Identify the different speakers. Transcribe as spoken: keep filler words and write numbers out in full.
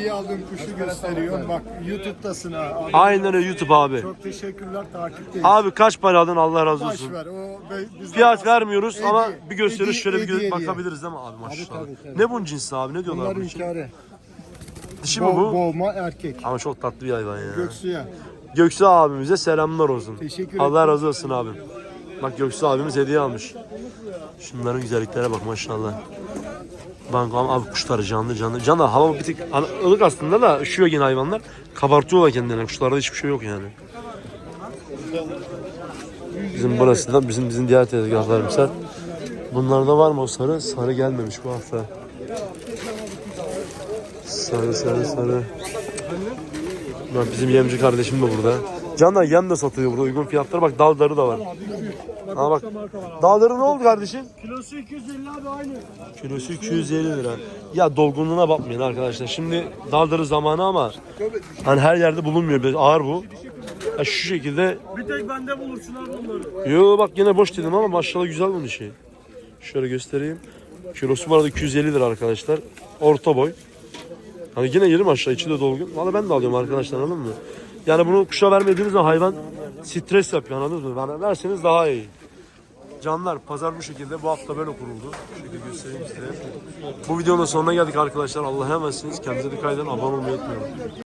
Speaker 1: hediye aldığım kuşu gösteriyorum. Bak YouTube'dasın ha. Abi.
Speaker 2: Aynen öyle YouTube abi.
Speaker 1: Çok teşekkürler, takipteyiz.
Speaker 2: Abi kaç para aldın, Allah razı
Speaker 1: Baş
Speaker 2: olsun.
Speaker 1: ver. O, be- bizden
Speaker 2: Fiyat
Speaker 1: bahs-
Speaker 2: vermiyoruz
Speaker 1: Hediye-
Speaker 2: ama bir gösteriş
Speaker 1: hediye-
Speaker 2: şöyle bir gö-
Speaker 1: hediye diye.
Speaker 2: bakabiliriz değil mi abi maşallah.
Speaker 1: tabii, tabii.
Speaker 2: Ne bunun cinsi abi, ne diyorlar
Speaker 1: Bunlar
Speaker 2: bunun için?
Speaker 1: hünkârı.
Speaker 2: Dişi mi
Speaker 1: Bo-
Speaker 2: bu?
Speaker 1: boğma erkek.
Speaker 2: Ama çok tatlı bir hayvan ya.
Speaker 1: Göksu'ya.
Speaker 2: Göksu abimize selamlar olsun.
Speaker 1: Teşekkür
Speaker 2: Allah
Speaker 1: ederim.
Speaker 2: razı olsun abi. Bak Göksu abimiz hediye almış. Şunların güzelliklere bak maşallah. Bak abi kuşlar canlı canlı. Canlı hava bir tık hani ılık aslında da üşüyor yine hayvanlar. Kabartıyorlar kendilerini. Kuşlarda hiçbir şey yok yani. Bizim burası da bizim bizim diğer tezgahlarımızlar. Bunlarda var mı o sarı? Sarı gelmemiş bu hafta. Sarı sarı sarı. Bak bizim yemci kardeşim de burada. Canlar yem de satıyor burada uygun fiyatlara. Bak daldarı da var. Ha bak. Daldarı ne oldu kardeşim?
Speaker 1: Kilosu iki yüz elli abi aynı.
Speaker 2: Kilosu iki yüz elli lira. Ya dolgunluğuna bakmayın arkadaşlar. Şimdi daldarı zamanı ama hani her yerde bulunmuyor. Biraz ağır bu. Ya şu şekilde.
Speaker 1: Bir tek bende bulursun abi onları.
Speaker 2: Yo bak yine boş dedim ama maşallah güzel bunun işi. Şöyle göstereyim. Kilosu bu arada iki yüz elli lira arkadaşlar. Orta boy. Hani yine yerim aşağı, içi de dolgun. Valla ben de alıyorum arkadaşlar, anladın mı? Yani bunu kuşa vermediğiniz zaman hayvan stres yapıyor, anladınız mı? Yani verseniz daha iyi. Canlar pazar bu şekilde, bu hafta böyle kuruldu. Şu şekilde göstereyim size. Bu videonun sonuna geldik arkadaşlar. Allah'a emanetsiniz. Kendinize dikkat edin. Abone olmayı unutmayın.